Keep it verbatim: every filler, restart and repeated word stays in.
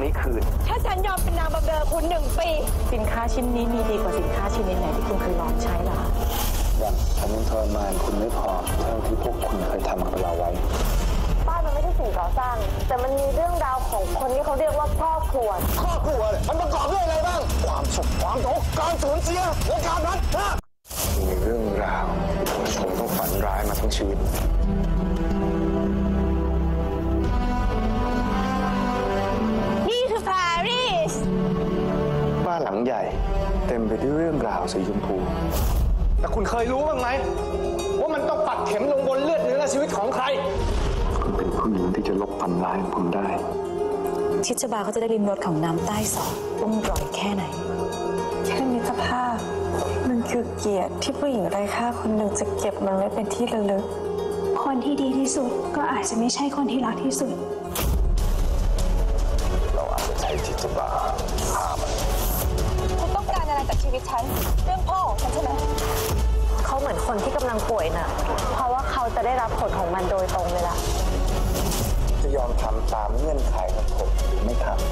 นี้คืนถ้าฉันยอมเป็นนางบำเรอคุณหนึ่งปีสินค้าชิ้นนี้มีดีกว่าสินค้าชิ้นไหนที่คุณเคยลองใช้หรออย่างฉันยังทรมานคุณไม่พอเท่าที่พวกคุณเคยทำกับเราไว้บ้านมันไม่ใช่สิ่งก่อสร้างแต่มันมีเรื่องราวของคนที่เขาเรียกว่าครอบครัวครอบครัวเนี่ยมันประกอบด้วยอะไรบ้างความสุขความทุกข์การสูญเสียและการพัดพลาดมีเรื่องราวที่ผมต้องฝันร้ายมาทั้งชีวิตนี่คือปารีสบ้านหลังใหญ่เต็มไปด้วยเรื่องราวสีชมพูแต่คุณเคยรู้บ้างไหมว่ามันต้องปักเข็มลงบนเลือดเนื้อและชีวิตของใครคุณเป็นผู้หญิงที่จะลบฝันร้ายของผมได้ชิชบาเขาจะได้ริมรสของน้ำใต้สองต้องร่อยแค่ไหนแค่มิตรภาพมันคือเกียรติที่ผู้หญิงไร้ค่าคนหนึ่งจะเก็บมันไว้เป็นที่ระลึกคนที่ดีที่สุดก็อาจจะไม่ใช่คนที่รักที่สุดเราอาจจะใช้ชิชบาฆ่ามันคุณต้องการอะไรจากชีวิตฉันเรื่องพ่อของฉันใช่ไหมเขาเหมือนคนที่กำลังป่วยน่ะเพราะว่าเขาจะได้รับผลของมันโดยตรงเลยล่ะจะยอมทำตามเงื่อนไขของผมหรือไม่ทำ